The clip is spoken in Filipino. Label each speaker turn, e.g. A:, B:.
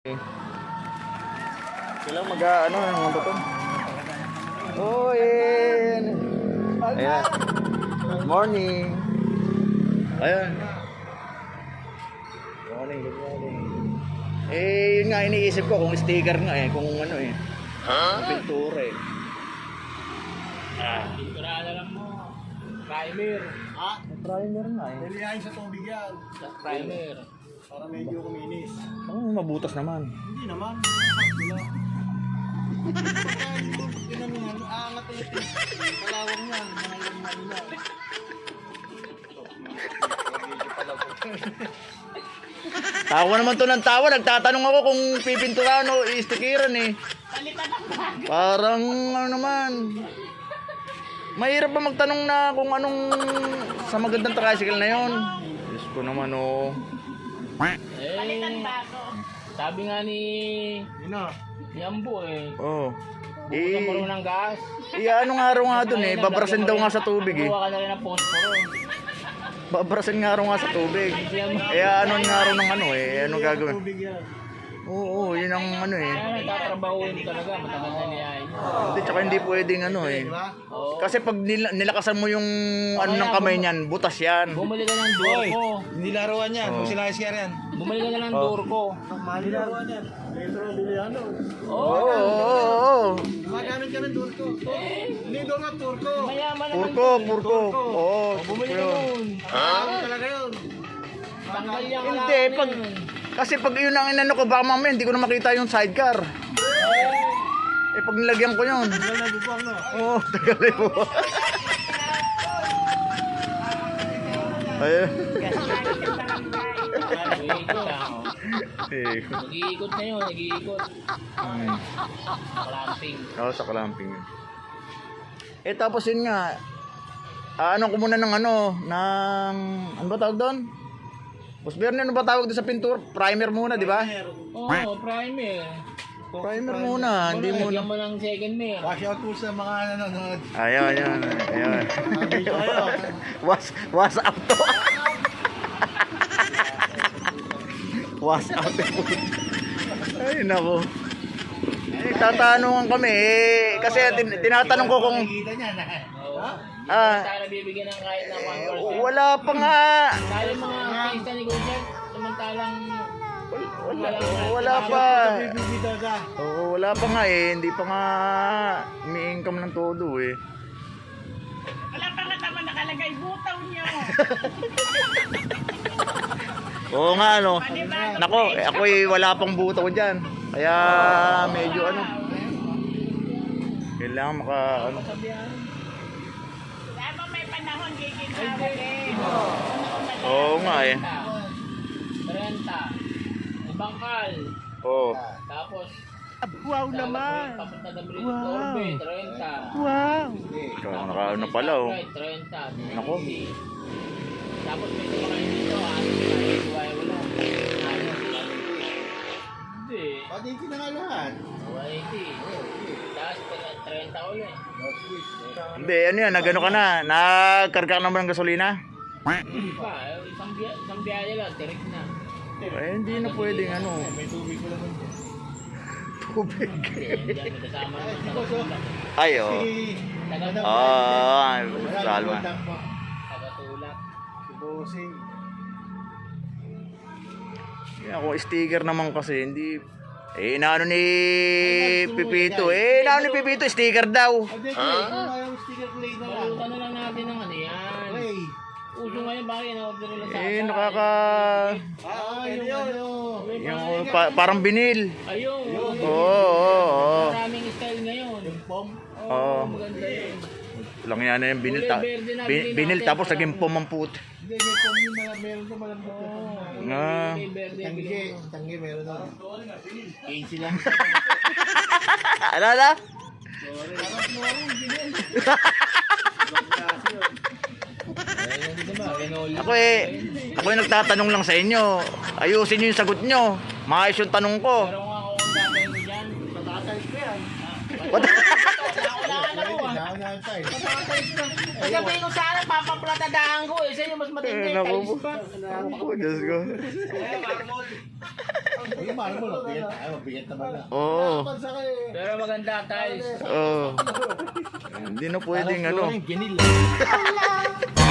A: Sila mag-ano ng mga bato. Oh, ayan. Ayan. Morning. Ayan. Good morning. Yun nga iniisip ko kung sticker nga kung ano pintura
B: Pintura na lang mo. Primer.
A: Primer nga
C: Nilihain sa tubig yan.
B: Primer.
C: Para medyo kuminis.
A: Mabutas naman.
C: Hindi naman. Wala. Tinanungan, aangat ulit yung kalawang yan. Mga yung manila.
A: Tawa naman to ng tawa. Nagtatanong ako kung pipinturahan o i-stickeran Parang ano naman. Mahirap ba magtanong na kung anong sa magandang tricycle na yon? Diyos ko naman
B: Sabi nga ni Ambo
A: Oh.
B: Bukod mo ng gas.
A: Ano nga raw nga dun babrasin daw nga sa tubig
B: Buwa ka na rin ng posporo.
A: Babrasin nga raw nga sa tubig. Ano nga raw ng ano gagawin?
C: Tubig yan.
A: Oo, yun ang
B: Kaya nagtatrabahuin talaga, matagal na niya
A: Hindi, tsaka hindi pwedeng
B: Oo.
A: Kasi pag nilakasan mo yung ng kamay niyan, butas yan.
B: Bumili ka ng Durco.
C: Hindi laruan yan. Kung sila iskar yan.
B: Bumili ka na ng Durco.
C: Mali laruan yan. Metro, biliano.
A: Oo.
C: Magamit ka ng turko. Hindi doon nga turko.
B: Mayaman naman.
A: Purko. Oo.
B: Bumili ka nun.
C: Ano talaga yun?
B: Tanggal yan.
A: Hindi, kasi pag yun ang inano ko, baka mamaya hindi ko na makita yung sidecar. Pag nilagyan ko yun.
C: Tagal na bubang, no?
A: Oo, tagal na po. Ayun.
B: Nag-iikot na yun, nag-iikot. Clamping.
A: Oo, sa clamping. Tapos yun nga, ano ko muna ng ano ba tawag doon? Boss Bernie, ano ba tawag doon sa pintura? Primer muna, di ba?
B: Oo, primer.
A: Primer muna, hindi muna.
B: Lagyan mo ng second mail.
C: Wash out po sa mga nanonood.
A: Ayun.
C: Sabi ko kayo.
A: Was out to. Was out to. Ay, nako. Tatanungan kami kasi tinatanong ko kung
C: Nakikita niya na.
B: Tayo bibigyan ng kahit na 1%.
A: wala pa nga.
B: Tayo mga artista ni Gojek, samantalang
A: Wala pa.
C: Bibigyan ka.
A: Oo, wala pa nga hindi pa nga umi-income ng todo
D: Wala pa nga naman nakalagay butaw niyo.
A: Oo nga Nako, ako'y wala pang butaw diyan. Kaya medyo kailangan
D: Wala pa may panahon giginawa
A: Oo nga
B: 30. Bangkal.
A: Oo.
B: Tapos
D: Wow naman.
B: papunta na British Orbit, 30.
D: Wow.
A: Naka pala
B: 30.
A: Nako.
B: Tapos may kumakain dito, wala. Hindi.
C: Pati na nga lahat.
B: 180. Tapos 30 ulit.
A: Hindi, nagano ka na? Nagkarga ka naman ng gasolina?
B: Hindi pa, isang biyahe lang, direct na.
A: Hindi na pwedeng
C: May tubig ko naman.
A: tubig.
B: Hindi may kasama naman.
A: Ay, oo. Salma.
B: Tagatulak.
C: Si Bossing.
A: Kung sticker naman kasi, hindi. Inaano ni Pipito. Inaano ni Pipito, sticker daw.
C: Hindi, kung ayaw sticker play na lang.
B: Palutan na lang natin ng yan.
C: Play.
B: Uso ngayon, bakit in-order nila sa
A: Yung parang binil.
B: Ayun.
A: Oo.
B: Maraming style ngayon.
A: Oo.
B: Maganda yun.
A: Lang yan yung binil. Binil tapos naging pumambut.
C: Hindi, may pumil na meron ko malambot.
B: May verde.
C: Tanggi, meron na.
B: 15 lang.
A: Alala? Ako nagtatanong lang sa inyo. Ayusin nyo yung sagot nyo. Maayos yung tanong ko.
B: Pero kung ako ang gagawin mo dyan,
C: Tatatalis ko yan.
A: What?
B: wala ako ah.
C: Naunahan tayo.
B: Sabihin ko sana, papaplatadahan ko eh. Sa inyo mas matindi.
A: Naku
B: Talis
A: po.
B: pa.
A: Naku po, Diyos ko.
C: Yung marble, mabigat naman na.
A: Oo.
C: Pansa kayo eh.
B: Pero maganda tiles.
A: Oo. Hindi na pwedeng ano.
C: Vinil.